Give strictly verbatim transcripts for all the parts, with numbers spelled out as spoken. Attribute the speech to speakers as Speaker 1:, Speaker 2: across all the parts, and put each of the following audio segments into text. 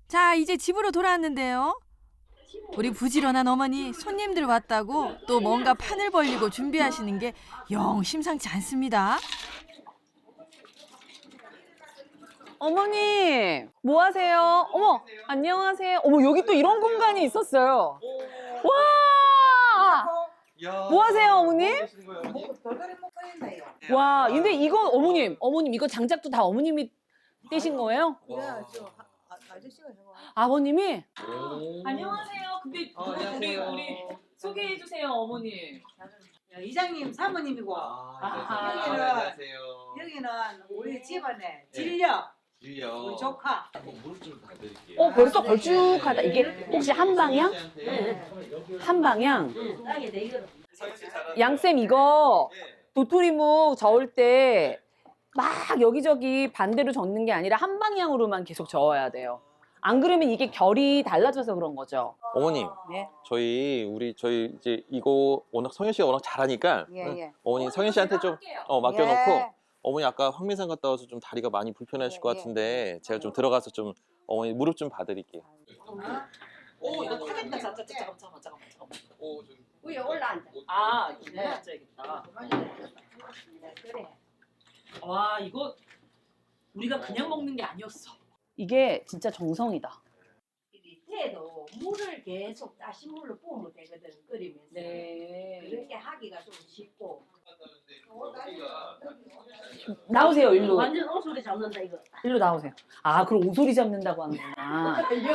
Speaker 1: 자, 이제 집으로 돌아왔는데요. 우리 부지런한 어머니 손님들 왔다고 또 뭔가 판을 벌리고 준비하시는 게 영 심상치 않습니다.
Speaker 2: 어머니, 뭐 하세요? 어머, 안녕하세요. 어머, 여기 또 이런 공간이 있었어요. 와! 뭐 하세요, 어머님? 와, 근데 이건 어머님, 어머님, 이거 장작도 다 어머님이 떼신 거예요? 아버님이? 안녕하세요. 근데
Speaker 3: 어,
Speaker 2: 우리,
Speaker 3: 안녕하세요.
Speaker 2: 우리 소개해 주세요, 어머니.
Speaker 4: 이장님 사모님이고
Speaker 3: 아,
Speaker 2: 아하.
Speaker 3: 네,
Speaker 4: 여기는-
Speaker 3: 안녕하세요.
Speaker 4: 여기는 우리 집안의 진력
Speaker 3: 주요.
Speaker 4: 우리 조카.
Speaker 3: 무릎 좀 놔드릴게요.
Speaker 2: 어, 벌써 걸쭉하다. 이게 혹시 한 방향? 한 방향? 양쌤, 이거 도토리묵 저을 때 막 여기저기 반대로 젓는 게 아니라 한 방향으로만 계속 저어야 돼요. 안 그러면 이게 결이 달라져서 그런 거죠.
Speaker 5: 어머님,
Speaker 4: 네.
Speaker 5: 저희 우리 저희 이제 이거 워낙 성현 씨가 워낙 잘하니까
Speaker 4: 예,
Speaker 5: 응,
Speaker 4: 예.
Speaker 5: 어머니 성현 씨한테 좀 어, 맡겨놓고
Speaker 4: 예.
Speaker 5: 어머니 아까 황민산 갔다 와서 좀 다리가 많이 불편하실
Speaker 4: 예,
Speaker 5: 것
Speaker 4: 예.
Speaker 5: 같은데 제가 좀 들어가서 좀 어머니 무릎 좀 봐드릴게요.
Speaker 2: 오, 이거 타겠다. 잠깐만, 잠깐만, 잠깐만, 잠깐만.
Speaker 3: 오, 저기.
Speaker 4: 위에 올라앉아.
Speaker 2: 아, 이거
Speaker 4: 네.
Speaker 2: 앉아야겠다.
Speaker 4: 그래.
Speaker 2: 와, 이거 우리가 그냥 먹는 게 아니었어. 이게 진짜 정성이다.
Speaker 6: 밑에도 물을 계속 다시 물로 부으면 되거든, 끓이면서.
Speaker 2: 네.
Speaker 6: 그렇게 하기가 좀 쉽고.
Speaker 2: 나오세요, 일로.
Speaker 6: 완전 오소리 잡는다, 이거.
Speaker 2: 일로 나오세요. 아, 그럼 오소리 잡는다고 하는구나.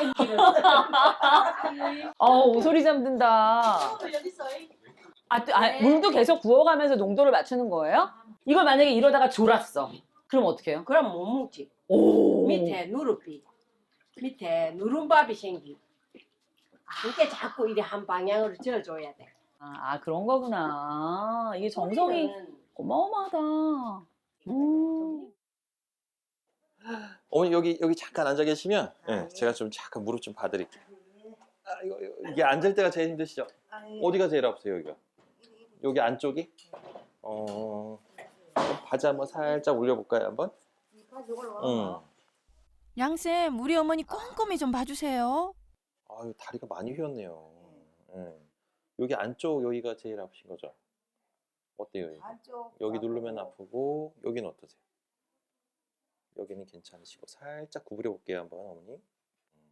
Speaker 2: 어, 오소리 잡는다.
Speaker 6: 여기 있어.
Speaker 2: 아, 또- 아, 물도 계속 부어가면서 농도를 맞추는 거예요? 이걸 만약에 이러다가 졸았어. 그럼 어떻게 해요?
Speaker 6: 그럼 못 먹지.
Speaker 2: 오.
Speaker 6: 밑에 누룩비. 밑에 누른밥이 생기. 그게 자꾸 이래 한 방향으로 저어줘야 돼.
Speaker 2: 아, 아, 그런 거구나. 이게 정성이
Speaker 6: 우리는
Speaker 2: 어마어마하다. 음.
Speaker 5: 어머니 여기 여기 잠깐 앉아 계시면 예, 제가 좀 잠깐 무릎 좀 봐드릴게요. 아, 이거, 이거 이게 앉을 때가 제일 힘드시죠? 어디가 제일 아프세요 여기가? 여기 안쪽이? 어, 바지 한번 살짝 올려볼까요 한번? 응.
Speaker 1: 양쌤, 우리 어머니 꼼꼼히 좀 봐주세요.
Speaker 5: 아유 다리가 많이 휘었네요. 예. 여기 안쪽 여기가 제일 아프신 거죠? 어때요? 여기? 여기 누르면 아프고 여기는 어떠세요? 여기는 괜찮으시고 살짝 구부려 볼게요 한번 어머니. 음.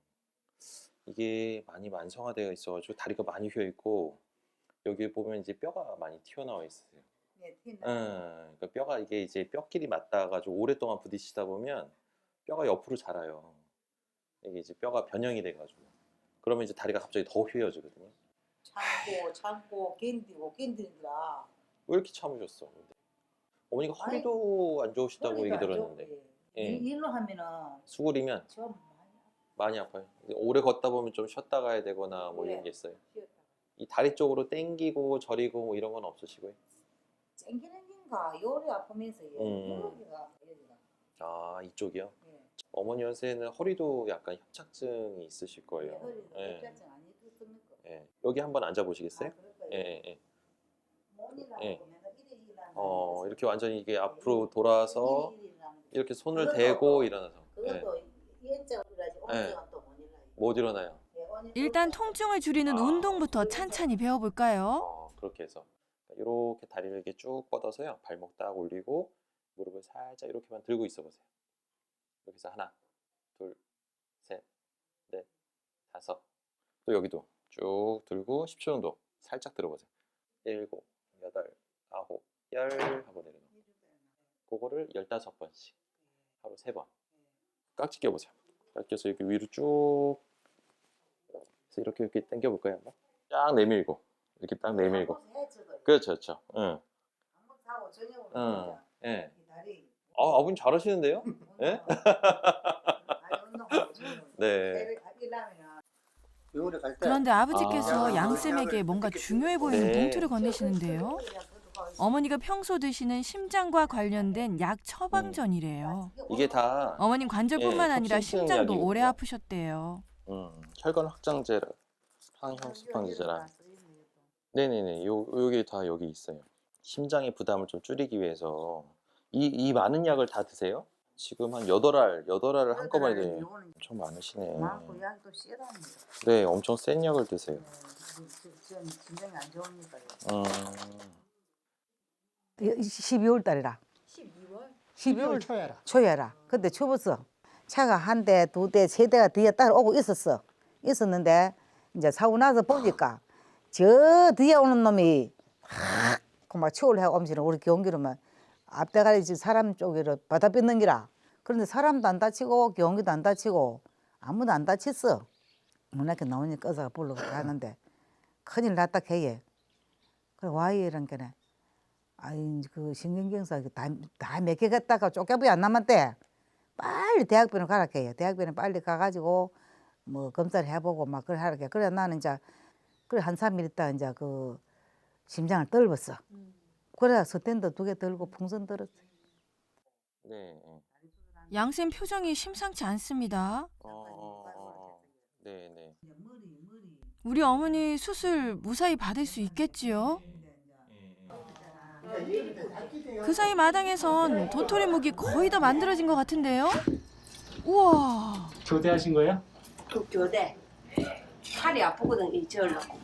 Speaker 5: 이게 많이 만성화되어 있어가지고 다리가 많이 휘어 있고 여기 보면 이제 뼈가 많이 튀어나와 있어요.
Speaker 4: 네,
Speaker 5: 음, 그러니까 뼈가 이게 이제 뼈끼리 맞닿아가지고 오랫동안 부딪히다 보면 뼈가 옆으로 자라요. 이게 이제 뼈가 변형이 돼가지고 그러면 이제 다리가 갑자기 더 휘어지거든요.
Speaker 4: 참고 참고 견디고 견디느라
Speaker 5: 왜 이렇게 참으셨어? 근데? 어머니가 허리도 안 좋으시다고 얘기 들었는데 예.
Speaker 4: 일로 하면은
Speaker 5: 수그리면
Speaker 4: 좀
Speaker 5: 많이 아파요. 이제 오래 걷다 보면 좀 쉬었다 가야 되거나 뭐 이런 게 있어요. 이 다리 쪽으로 땡기고 저리고 뭐 이런 건 없으시고요?
Speaker 4: 땡기는 긴가 요리 아프면서
Speaker 5: 음.
Speaker 4: 여기가 여기가
Speaker 5: 아 이쪽이요?
Speaker 4: 예.
Speaker 5: 어머니 연세는 허리도 약간 협착증이 있으실 거예요.
Speaker 4: 허리가
Speaker 5: 예.
Speaker 4: 협착증 아니 뜯습니까?
Speaker 5: 예. 여기 한번 앉아 보시겠어요?
Speaker 4: 아, 그럴까요?
Speaker 5: 예, 예, 예.
Speaker 4: 몸이라고
Speaker 5: 예.
Speaker 4: 보면 이래 일어나는
Speaker 5: 어,
Speaker 4: 거지.
Speaker 5: 이렇게 완전히 이게 앞으로 돌아서
Speaker 4: 이래 일어나는 거지.
Speaker 5: 이렇게 손을
Speaker 4: 그것도-
Speaker 5: 대고 일어나서 예.
Speaker 4: 그것도 이엔자가 일어나지 오른쪽은 또 못 일어나요.
Speaker 5: 못 일어나요.
Speaker 4: 예, 오늘-
Speaker 1: 일단 통증을 줄이는
Speaker 5: 아.
Speaker 1: 운동부터 찬찬히 배워볼까요?
Speaker 5: 어, 그렇게 해서 이렇게 다리를 이렇게 쭉 뻗어서요. 발목 딱 올리고 무릎을 살짝 이렇게만 들고 있어 보세요. 이렇게 해서 하나, 둘, 셋, 넷, 다섯. 또 여기도 쭉 들고 십 초 정도 살짝 들어보세요. 일곱, 여덟, 아홉, 열 하고 내려놓고 그거를 열다섯 번씩 하루 세 번. 깍지 껴보세요. 깍지 껴서 이렇게 위로 쭉 그래서 이렇게 이렇게 당겨 볼까요? 한번? 쫙 내밀고 이렇게 딱 내밀고. 그렇죠, 그렇죠. 응,
Speaker 4: 한번 사고 저녁으로
Speaker 5: 응, 예.
Speaker 4: 이 다리
Speaker 5: 아, 아버님 잘하시는데요? 예?
Speaker 4: 다리 운동하고 저녁으로
Speaker 5: 네.
Speaker 4: 일하면은
Speaker 7: 요리 갈 때.
Speaker 1: 그런데 아버지께서
Speaker 7: 아.
Speaker 1: 양쌤에게 뭔가 중요해 보이는
Speaker 5: 네.
Speaker 1: 봉투를 건네시는데요. 어머니가 평소 드시는 심장과 관련된 약 처방전이래요.
Speaker 5: 이게 다
Speaker 1: 어머님 관절뿐만
Speaker 5: 예,
Speaker 1: 아니라
Speaker 5: 협심증
Speaker 1: 심장도
Speaker 5: 약이거든요.
Speaker 1: 오래 아프셨대요.
Speaker 5: 음, 혈관 확장제라, 항형수판제라. 네네네, 요 요게 다 여기 있어요. 심장의 부담을 좀 줄이기 위해서 이 이 많은 약을 다 드세요? 지금 한 여덟 알, 여덟 알을 한꺼번에
Speaker 4: 그러더라고요.
Speaker 5: 드네요.
Speaker 4: 요거는
Speaker 5: 엄청 많으시네.
Speaker 4: 많고 약도 세답니다.
Speaker 5: 네, 엄청 센 약을 드세요.
Speaker 4: 전 진정이 안 좋으니까요.
Speaker 5: 음,
Speaker 7: 십이월 달이라.
Speaker 6: 십이월?
Speaker 7: 십이월 초여라. 초여라. 근데 추웠어. 차가 한 대, 두 대, 세 대가 뒤에 따라오고 있었어. 있었는데 이제 사고 나서 보니까 저 뒤에 오는 놈이 막 추월 하고 오면서 우리 경기로만 앞대가리 지금 사람 쪽으로 바다 뺏는 기라. 그런데 사람도 안 다치고 경기도 안 다치고 아무도 안 다쳤어. 문학교 나오니까 의사가 불러 가는데 큰일 났다 걔에. 그래 와 이런 게네. 아이 그 신경경사 다다몇 개 갔다가 쪼개부이 안 남았대. 빨리 대학병원 가라 해요. 대학병원 빨리 가가지고 뭐 검사를 해보고 막 그래 하라 해. 그래 나는 이제 그래 한 삼 일 있다 이제 그 심장을 떨었어. 그래 스탠드 두 개 들고 풍선 들었어.
Speaker 5: 네. 어,
Speaker 1: 양쌤 표정이 심상치 않습니다.
Speaker 5: 어, 어, 어. 네, 네.
Speaker 1: 우리 어머니 수술 무사히 받을 수 있겠지요? 그 사이 마당에선 도토리 묵이 거의 다 만들어진 것 같은데요? 우와!
Speaker 8: 교대하신 거예요?
Speaker 6: 그 교대. 팔이 아프거든 이 저으려고.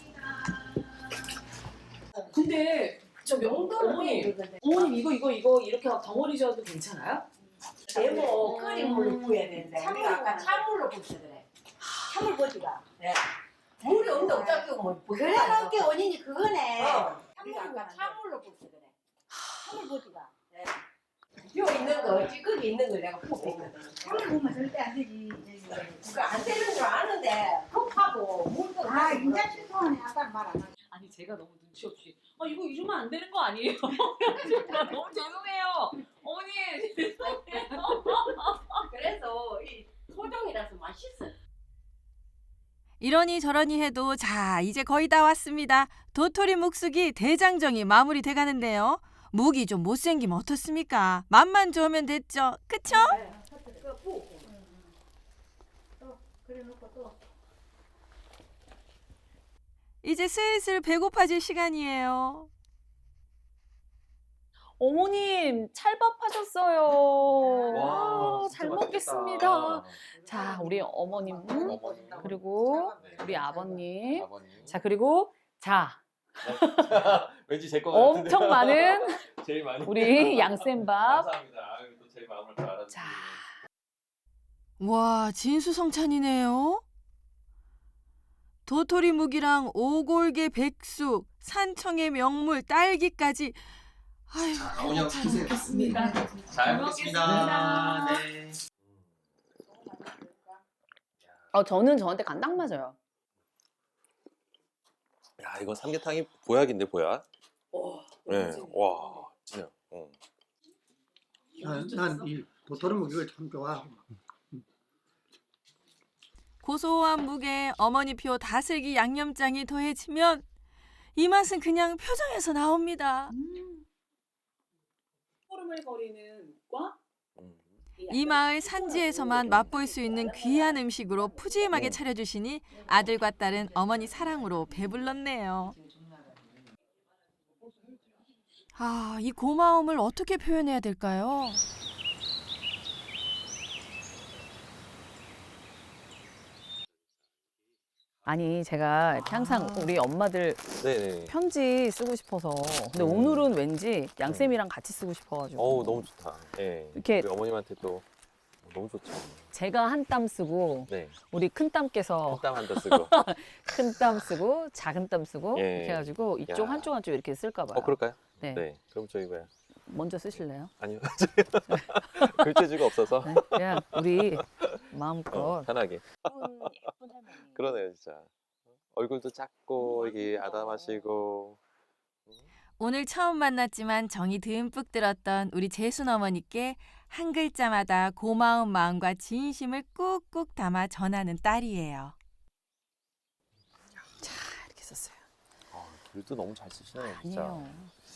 Speaker 2: 근데 저 명동이 어머님 이거 이거 이거 이렇게 덩어리 줘도 괜찮아요?
Speaker 6: 네모 끓인 물로 부어야 되는데 우리가 아까 찬물로 부었어 그래. 찬물 부어지가. 네. 물이 없는데 어떻게 뭐
Speaker 4: 그래 놓은 게 원인이 그거네.
Speaker 6: 어. 우리가 아까 찬물로 부었어 그래. 찬물 부어지가. 네. 요 있는 거 찌꺼기 있는 걸 내가 부었거든.
Speaker 4: 참을 보면 절대 안 되지.
Speaker 6: 그거 안 되는 줄 아는데 급하고 물도
Speaker 4: 아 인자 실통하네 아까 말 안 하고.
Speaker 2: 아니 제가 너무 눈치 없이 아 이거 이러면 안 되는 거 아니에요? 너무 죄송해요. 어머니 죄송해요.
Speaker 6: 그래서 이 소정이라서 맛있어.
Speaker 1: 이러니 저러니 해도 자 이제 거의 다 왔습니다. 도토리 묵숙이 대장정이 마무리돼 가는데요. 묵이 좀 못생기면 어떻습니까? 맛만 좋으면 됐죠. 그쵸?
Speaker 4: 그래 놓고 또.
Speaker 1: 이제 슬슬 배고파질 시간이에요.
Speaker 2: 어머님 찰밥 하셨어요. 와,
Speaker 5: 진짜
Speaker 2: 잘
Speaker 5: 맛있겠다.
Speaker 2: 먹겠습니다. 자 우리 어머님
Speaker 5: 어머님.
Speaker 2: 그리고 우리 아버님.
Speaker 5: 아버님.
Speaker 2: 자 그리고 자
Speaker 5: 왠지 제 거 같은데.
Speaker 2: 엄청 많은
Speaker 5: 제일 많이.
Speaker 2: 우리 양쌤밥.
Speaker 5: 감사합니다. 아유, 또 제 마음을 잘 알아주시고.
Speaker 2: 자.
Speaker 1: 와 진수성찬이네요. 도토리 묵이랑 오골계 백숙, 산청의 명물 딸기까지. 아유,
Speaker 3: 어머니 드세요. 잘 먹겠습니다. 네.
Speaker 2: 어 저는 저한테 간 딱 맞아요.
Speaker 5: 야, 이건 삼계탕이 보약인데 보약.
Speaker 2: 오,
Speaker 5: 네. 와, 진짜. 어.
Speaker 8: 난이 도토리 묵이를 참 좋아하고.
Speaker 1: 고소한 묵에 어머니표 다슬기 양념장이 더해지면 이 맛은 그냥 표정에서 나옵니다.
Speaker 2: 흐물거리는 과
Speaker 5: 음.
Speaker 1: 이 마을 산지에서만 맛볼 수 있는 귀한 음식으로 푸짐하게 차려주시니 아들과 딸은 어머니 사랑으로 배불렀네요. 아, 이 고마움을 어떻게 표현해야 될까요?
Speaker 2: 아니 제가 이렇게 항상 우리 엄마들
Speaker 5: 네네.
Speaker 2: 편지 쓰고 싶어서 근데
Speaker 5: 음.
Speaker 2: 오늘은 왠지 양쌤이랑 같이 쓰고 싶어가지고
Speaker 5: 어우, 너무 좋다. 예.
Speaker 2: 이렇게-
Speaker 5: 우리 어머님한테 또 너무 좋죠.
Speaker 2: 제가 한 땀 쓰고
Speaker 5: 네.
Speaker 2: 우리 큰 땀께서
Speaker 5: 한땀 한다 쓰고.
Speaker 2: 큰 땀 쓰고 작은 땀 쓰고
Speaker 5: 예.
Speaker 2: 이렇게 해가지고 이쪽
Speaker 5: 야.
Speaker 2: 한쪽 한쪽 이렇게 쓸까 봐요.
Speaker 5: 어, 그럴까요?
Speaker 2: 네.
Speaker 5: 네. 그럼 저희 뭐야?
Speaker 2: 먼저 쓰실래요?
Speaker 5: 아니요. 글재주가 없어서.
Speaker 2: 네, 그냥 우리 마음껏
Speaker 5: 어, 편하게.
Speaker 2: 예쁜, 예쁜 할머니.
Speaker 5: 그러네요, 진짜. 얼굴도 작고 이게 아담하시고.
Speaker 1: 오늘 처음 만났지만 정이 듬뿍 들었던 우리 재순 어머니께 한 글자마다 고마운 마음과 진심을 꾹꾹 담아 전하는 딸이에요.
Speaker 2: 이렇게 썼어요.
Speaker 5: 아, 글도 너무 잘 쓰시네요, 진짜.
Speaker 2: 아니에요.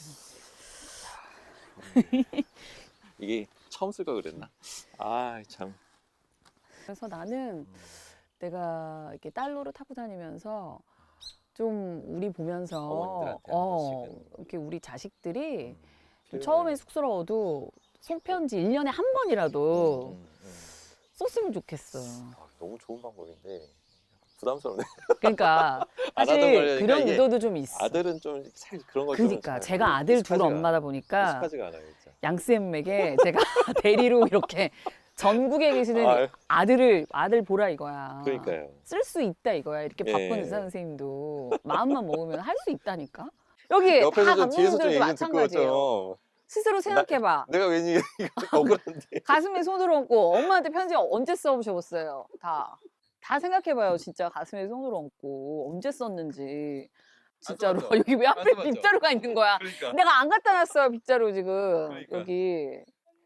Speaker 5: 이게 처음 쓸 걸 그랬나? 아, 참.
Speaker 2: 그래서 나는 내가 이렇게 딸 노릇 하고 다니면서 좀 우리 보면서
Speaker 5: 어머님들한테 한
Speaker 2: 어,
Speaker 5: 번씩은.
Speaker 2: 이렇게 우리 자식들이
Speaker 5: 음,
Speaker 2: 처음에 쑥스러워도 손편지 일 년에 한 번이라도
Speaker 5: 음, 음.
Speaker 2: 썼으면 좋겠어.
Speaker 5: 아, 너무 좋은 방법인데 부담스럽네.
Speaker 2: 그러니까
Speaker 5: 안 하던
Speaker 2: 사실
Speaker 5: 거니까
Speaker 2: 그런
Speaker 5: 이게
Speaker 2: 의도도 좀 있어.
Speaker 5: 아들은 좀 살 그런 거 좀
Speaker 2: 그러니까
Speaker 5: 잘
Speaker 2: 제가 아들 둘
Speaker 5: 익숙하지가
Speaker 2: 엄마다
Speaker 5: 않아.
Speaker 2: 보니까
Speaker 5: 익숙하지가 않아요, 진짜.
Speaker 2: 양쌤에게 제가 대리로 이렇게 전국에 계시는
Speaker 5: 아유.
Speaker 2: 아들을 아들 보라 이거야.
Speaker 5: 그러니까요.
Speaker 2: 쓸 수 있다 이거야. 이렇게 바쁜
Speaker 5: 예.
Speaker 2: 의사 선생님도 마음만 먹으면 할 수 있다니까. 여기
Speaker 5: 옆에서
Speaker 2: 다
Speaker 5: 좀 뒤에서 좀
Speaker 2: 감독님들도
Speaker 5: 얘기 좀 듣고
Speaker 2: 마찬가지예요.
Speaker 5: 좀
Speaker 2: 스스로 생각해봐.
Speaker 5: 내가 왠지 억울한데.
Speaker 2: 가슴에 손을 얹고 엄마한테 편지 언제 써보셨어요? 다. 다 생각해봐요. 진짜 가슴에 손을 얹고 언제 썼는지. 진짜로.
Speaker 5: 써봤죠.
Speaker 2: 여기 왜
Speaker 5: 안
Speaker 2: 앞에
Speaker 5: 써봤죠.
Speaker 2: 빗자루가 있는 거야?
Speaker 5: 그러니까.
Speaker 2: 내가 안 갖다 놨어요. 빗자루 지금.
Speaker 5: 그러니까.
Speaker 2: 여기.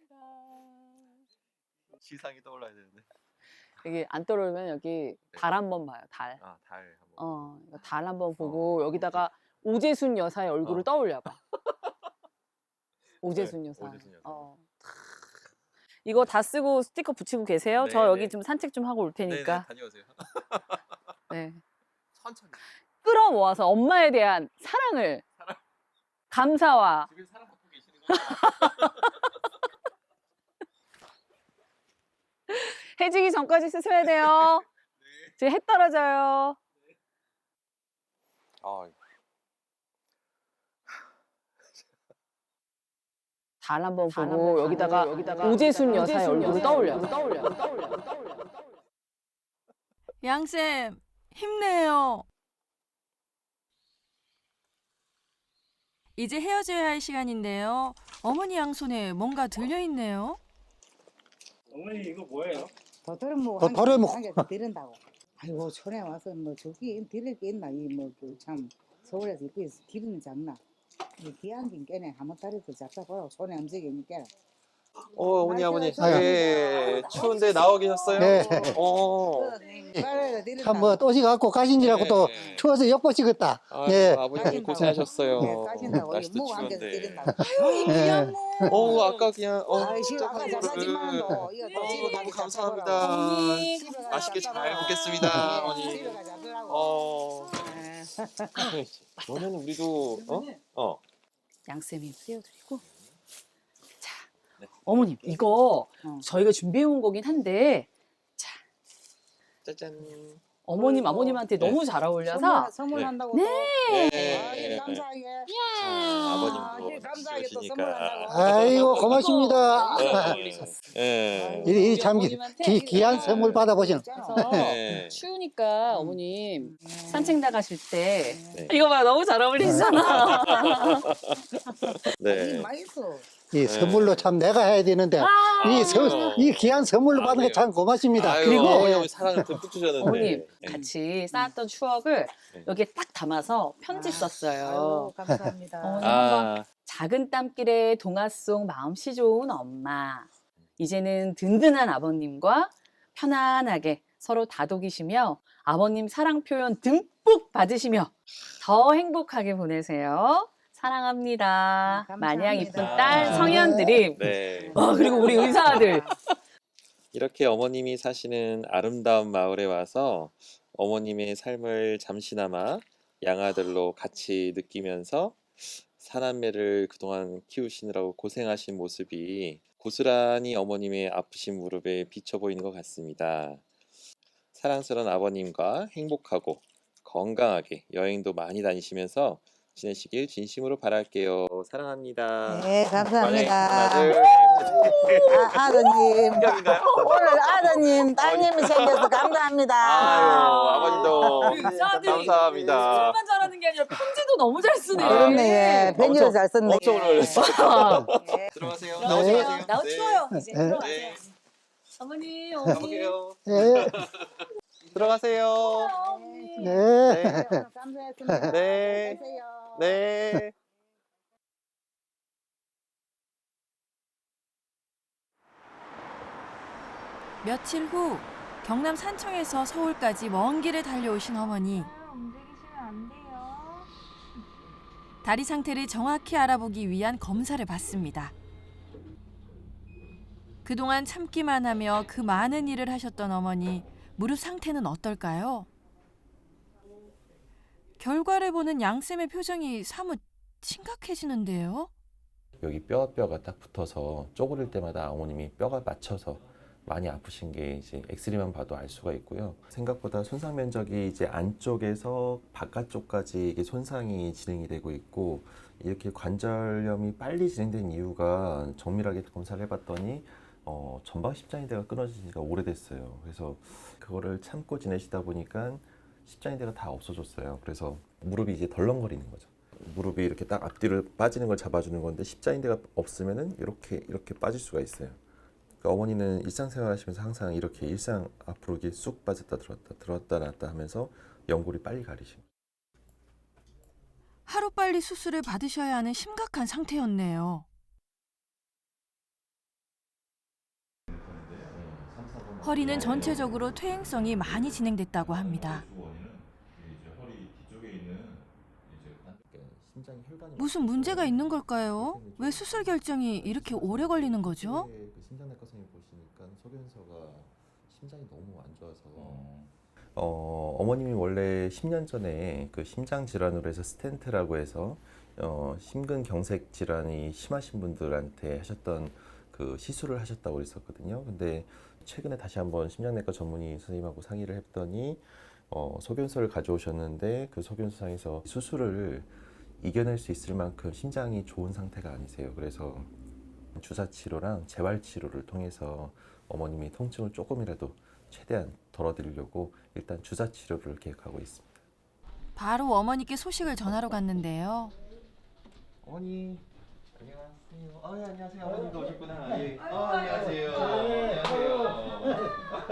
Speaker 5: 시상이 떠올라야 되는데.
Speaker 2: 여기 안 떨어지면 여기 달 한번 봐요. 달.
Speaker 5: 아, 달 한번.
Speaker 2: 어, 이거 달 한번 보고
Speaker 5: 어,
Speaker 2: 여기다가 오재순 여사의 얼굴을
Speaker 5: 어.
Speaker 2: 떠올려봐. 오재순
Speaker 5: 네,
Speaker 2: 여사.
Speaker 5: 오재순 여사.
Speaker 2: 어. 이거 다 쓰고 스티커 붙이고 계세요?
Speaker 5: 네,
Speaker 2: 저 여기
Speaker 5: 네.
Speaker 2: 좀 산책 좀 하고 올
Speaker 5: 네네,
Speaker 2: 테니까.
Speaker 5: 다녀오세요.
Speaker 2: 네.
Speaker 5: 천천히.
Speaker 2: 끌어모아서 엄마에 대한 사랑을,
Speaker 5: 사랑.
Speaker 2: 감사와
Speaker 5: 집에 사람 갖고 계시는 거.
Speaker 2: 해지기 전까지 쓰셔야 돼요. 지금 해 떨어져요.
Speaker 5: 아,
Speaker 2: 달 한번 보고 여기다가, 여기다가 오재순 여사의 얼굴을 떠올려. 떠올려. 떠올려. 떠올려.
Speaker 1: 양쌤, 힘내요. 이제 헤어져야 할 시간인데요. 어머니 양손에 뭔가 들려있네요.
Speaker 8: 어머니 이거 뭐예요?
Speaker 7: 도토리 묵
Speaker 8: 어, 도토리 묵.
Speaker 7: 한개 드린다고. 아이고 촌에 와서 뭐 저기 드릴 게 있나 이 뭐 참 서울에서 입고 있어 기분이 장나. 이 귀한 긴 깨네 한번 다리도 잡다 보라고 손에 움직이니까.
Speaker 5: 어, 어머니, 어머니.
Speaker 7: 아이고.
Speaker 5: 네, 추운데 나와 계셨어요?
Speaker 8: 네.
Speaker 5: 어.
Speaker 8: 참뭐 또시 갖고 가신지라고
Speaker 5: 네.
Speaker 8: 또 추워서 엿보시겠다.
Speaker 5: 아유,
Speaker 8: 네.
Speaker 5: 아버님
Speaker 7: 까진다고.
Speaker 5: 고생하셨어요.
Speaker 7: 네, 까진다고
Speaker 5: 날씨도
Speaker 7: 묵 한 개
Speaker 5: 추운데.
Speaker 7: 드린다고.
Speaker 8: 네.
Speaker 5: 어, 아까 그냥 어.
Speaker 7: 아이 씨 아까 잡사지만도 이거 또 집에 가서
Speaker 5: 감사합니다.
Speaker 7: 잡숴보라고. 집에 가서
Speaker 5: 맛있게 잘
Speaker 7: 잡숴보라고.
Speaker 5: 먹겠습니다,
Speaker 7: 네,
Speaker 5: 어머니.
Speaker 7: 집에 가서 잡수라고.
Speaker 5: 어.
Speaker 7: 네.
Speaker 5: 너는 우리도 어? 어.
Speaker 2: 양쌤이 띄워드리고. 자,
Speaker 5: 네.
Speaker 2: 어머님 이거
Speaker 7: 어.
Speaker 2: 저희가 준비해온 거긴 한데
Speaker 5: 짜잔.
Speaker 2: 어머님
Speaker 7: 그리고
Speaker 2: 아버님한테
Speaker 5: 네.
Speaker 2: 너무 잘 어울려서
Speaker 7: 선물, 선물한다고 또.
Speaker 5: 네.
Speaker 7: 아, 예, 감사하게.
Speaker 5: 자,
Speaker 7: 아,
Speaker 5: 아버님도
Speaker 7: 예, 감사하게 또
Speaker 5: 좋으시니까.
Speaker 7: 선물한다고.
Speaker 8: 아이고 고맙습니다.
Speaker 5: 네. 네.
Speaker 8: 이, 이 참 기, 귀한 선물 받아보시는.
Speaker 2: 그래서
Speaker 5: 네.
Speaker 2: 추우니까 어머님 산책 나가실 때
Speaker 5: 네.
Speaker 2: 이거 봐 너무 잘 어울리시잖아.
Speaker 5: 네.
Speaker 7: 맛있어.
Speaker 8: 이 선물로 참 내가 해야 되는데 이, 선, 이 귀한 선물로 받은 게 참 고맙습니다.
Speaker 5: 아유,
Speaker 2: 그리고-
Speaker 5: 어머니 사랑을 듬뿍 주셨는데.
Speaker 2: 어머님
Speaker 5: 네.
Speaker 2: 같이 쌓았던 추억을
Speaker 5: 네.
Speaker 2: 여기에 딱 담아서 편지 썼어요.
Speaker 7: 아유, 감사합니다.
Speaker 2: 어머니
Speaker 5: 아,
Speaker 2: 작은 땀길에 동화 속 마음씨 좋은 엄마. 이제는 든든한 아버님과 편안하게 서로 다독이시며 아버님 사랑 표현 듬뿍 받으시며 더 행복하게 보내세요. 사랑합니다.
Speaker 7: 감사합니다.
Speaker 2: 마냥 이쁜 딸
Speaker 5: 아.
Speaker 2: 성현드림.
Speaker 5: 네.
Speaker 2: 와, 그리고 우리 의사들.
Speaker 5: 이렇게 어머님이 사시는 아름다운 마을에 와서 어머님의 삶을 잠시나마 양아들로 같이 느끼면서 사남매를 그동안 키우시느라고 고생하신 모습이 고스란히 어머님의 아프신 무릎에 비쳐 보이는 것 같습니다. 사랑스러운 아버님과 행복하고 건강하게 여행도 많이 다니시면서 지내시길 진심으로 바랄게요. 사랑합니다.
Speaker 7: 네, 감사합니다.
Speaker 5: 네, 하나, 둘,
Speaker 7: 아, 아드님.
Speaker 5: 인형인가요?
Speaker 7: 오늘 아드님, 따님이 생겨서 감사합니다.
Speaker 5: 아유, 아버님도
Speaker 2: 우리 의사들이
Speaker 5: 감사합니다.
Speaker 2: 술만 잘하는 게 아니라 편지도 너무 잘 쓰네.
Speaker 5: 아,
Speaker 7: 그렇네, 예. 편지를
Speaker 5: 엄청-
Speaker 7: 잘 썼네.
Speaker 5: 엄청 오래 걸렸어요.
Speaker 7: 예.
Speaker 5: 들어가세요.
Speaker 2: 네.
Speaker 5: 나오지 마세요.
Speaker 2: 나우
Speaker 5: 네.
Speaker 2: 추워요. 이제
Speaker 8: 네.
Speaker 2: 들어가세요.
Speaker 5: 네.
Speaker 2: 어머니, 어머니.
Speaker 5: 가볼게요.
Speaker 8: 예.
Speaker 5: 들어가세요.
Speaker 2: 어머니.
Speaker 8: 네.
Speaker 5: 네.
Speaker 7: 오늘 감사했습니다.
Speaker 5: 네.
Speaker 7: 안녕하세요.
Speaker 5: 네.
Speaker 1: 며칠 후 경남 산청에서 서울까지 먼 길을 달려오신 어머니.
Speaker 4: 아, 움직이시면 안 돼요.
Speaker 1: 다리 상태를 정확히 알아보기 위한 검사를 받습니다. 그동안 참기만 하며 그 많은 일을 하셨던 어머니, 무릎 상태는 어떨까요? 결과를 보는 양쌤의 표정이 사뭇 심각해지는데요.
Speaker 5: 여기 뼈 뼈가 딱 붙어서 쪼그릴 때마다 어머님이 뼈가 맞춰서 많이 아프신 게 이제 엑스레이만 봐도 알 수가 있고요. 생각보다 손상 면적이 이제 안쪽에서 바깥쪽까지 이게 손상이 진행이 되고 있고, 이렇게 관절염이 빨리 진행된 이유가 정밀하게 검사를 해봤더니 어, 전방 십자인대가 끊어진 지가 오래됐어요. 그래서 그거를 참고 지내시다 보니까 십자인대가 다 없어졌어요. 그래서 무릎이 이제 덜렁거리는 거죠. 무릎이 이렇게 딱 앞뒤로 빠지는 걸 잡아주는 건데 십자인대가 없으면은 이렇게 이렇게 빠질 수가 있어요. 그러니까 어머니는 일상생활 하시면서 항상 이렇게 일상 앞으로 이렇게 쑥 빠졌다 들었다 들었다 놨다 하면서 연골이 빨리 가리신 거예요.
Speaker 1: 하루빨리 수술을 받으셔야 하는 심각한 상태였네요. 허리는 전체적으로 퇴행성이 많이 진행됐다고 합니다. 무슨 문제가 있는 걸까요? 왜 수술 결정이 이렇게 오래 걸리는 거죠?
Speaker 5: 그 심장내과 선생님 보시니까 소견서가 심장이 너무 안 좋아서 어, 어머님이 원래 십 년 전에 그 심장 질환으로 해서 스텐트라고 해서 어, 심근경색 질환이 심하신 분들한테 하셨던 그 시술을 하셨다고 그랬었거든요. 근데 최근에 다시 한번 심장내과 전문의 선생님하고 상의를 했더니 어, 소견서를 가져오셨는데 그 소견서상에서 수술을 이겨낼 수 있을 만큼 심장이 좋은 상태가 아니세요. 그래서 주사 치료랑 재활 치료를 통해서 어머님이 통증을 조금이라도 최대한 덜어드리려고 일단 주사 치료를 계획하고 있습니다.
Speaker 1: 바로 어머니께 소식을 전하러 갔는데요.
Speaker 3: 어머니 안녕하세요. 아, 예, 안녕하세요. 어머님도 오셨구나. 예. 아, 안녕하세요. 안녕하세요.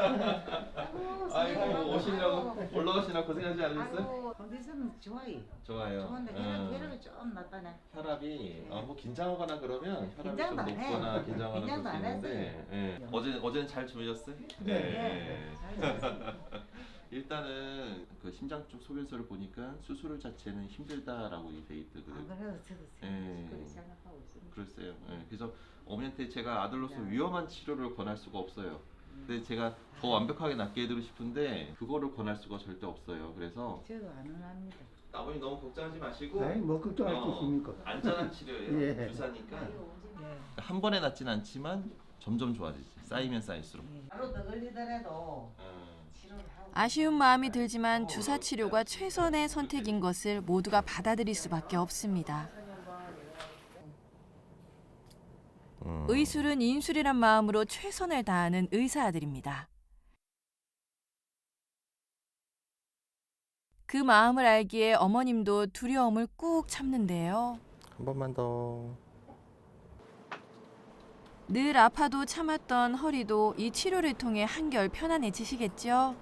Speaker 3: 아이고 오시려고 올라오시나 고생하지 않으셨어요?
Speaker 7: 컨디션은 좋아요.
Speaker 3: 좋아요.
Speaker 7: 좋은데
Speaker 3: 응.
Speaker 7: 혈압이 좀 낮다네.
Speaker 3: 혈압이 아, 뭐 긴장하거나 그러면 혈압이 좀
Speaker 7: 긴장도 안 해.
Speaker 3: 높거나 긴장하거나
Speaker 7: 긴장도
Speaker 3: 그럴 수
Speaker 7: 안
Speaker 3: 있는데 예. 어제 어제는 잘 주무셨어요?
Speaker 7: 네. 잘
Speaker 3: 일단은 그 심장 쪽 소견서를 보니까 수술 자체는 힘들다라고 돼 있더라고요.
Speaker 7: 안 그래도 저도
Speaker 3: 예.
Speaker 7: 그렇게 생각하고 있습니다.
Speaker 3: 글쎄요. 예. 그래서 어머니한테 제가 아들로서 위험한 치료를 권할 수가 없어요. 근데 제가 더 완벽하게 낫게 해드리고 싶은데 그거를 권할 수가 절대 없어요. 그래서
Speaker 7: 저도 안 원합니다.
Speaker 3: 아버님 너무 걱정하지 마시고
Speaker 8: 네, 뭐 걱정할 게
Speaker 3: 어,
Speaker 8: 있습니까?
Speaker 3: 안전한 치료예요.
Speaker 8: 예.
Speaker 3: 주사니까
Speaker 7: 예.
Speaker 3: 한 번에 낫진 않지만 점점 좋아지지. 쌓이면 쌓일수록.
Speaker 7: 하루 더 걸리더라도
Speaker 3: 어.
Speaker 7: 치료를 하고.
Speaker 1: 아쉬운 마음이 들지만 주사 치료가 최선의 선택인 것을 모두가 받아들일 수밖에 없습니다.
Speaker 5: 음.
Speaker 1: 의술은 인술이란 마음으로 최선을 다하는 의사들입니다. 그 마음을 알기에 어머님도 두려움을 꾹 참는데요.
Speaker 5: 한 번만 더.
Speaker 1: 늘 아파도 참았던 허리도 이 치료를 통해 한결 편안해지시겠죠?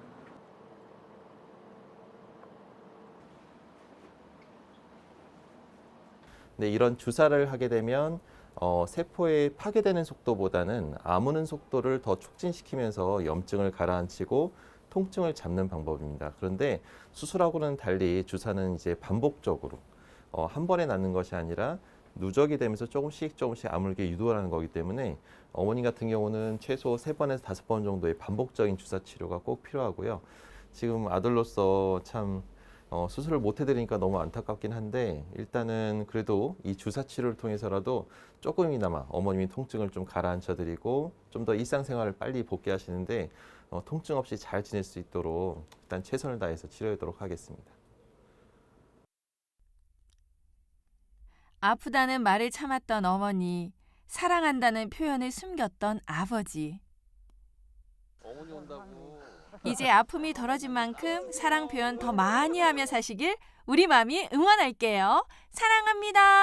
Speaker 5: 근데 이런 주사를 하게 되면 어, 세포의 파괴되는 속도보다는 아무는 속도를 더 촉진시키면서 염증을 가라앉히고 통증을 잡는 방법입니다. 그런데 수술하고는 달리 주사는 이제 반복적으로 어, 한 번에 낫는 것이 아니라 누적이 되면서 조금씩 조금씩 아물게 유도하는 거기 때문에 어머니 같은 경우는 최소 세 번에서 다섯 번 정도의 반복적인 주사 치료가 꼭 필요하고요. 지금 아들로서 참 어, 수술을 못 해드리니까 너무 안타깝긴 한데 일단은 그래도 이 주사 치료를 통해서라도 조금이나마 어머님이 통증을 좀 가라앉혀드리고 좀 더 일상생활을 빨리 복귀하시는데 어, 통증 없이 잘 지낼 수 있도록 일단 최선을 다해서 치료하도록 하겠습니다.
Speaker 1: 아프다는 말을 참았던 어머니, 사랑한다는 표현을 숨겼던 아버지.
Speaker 5: 어머니 온다고.
Speaker 1: 이제 아픔이 덜어진 만큼 사랑 표현 더 많이 하며 사시길 우리 맘이 응원할게요. 사랑합니다.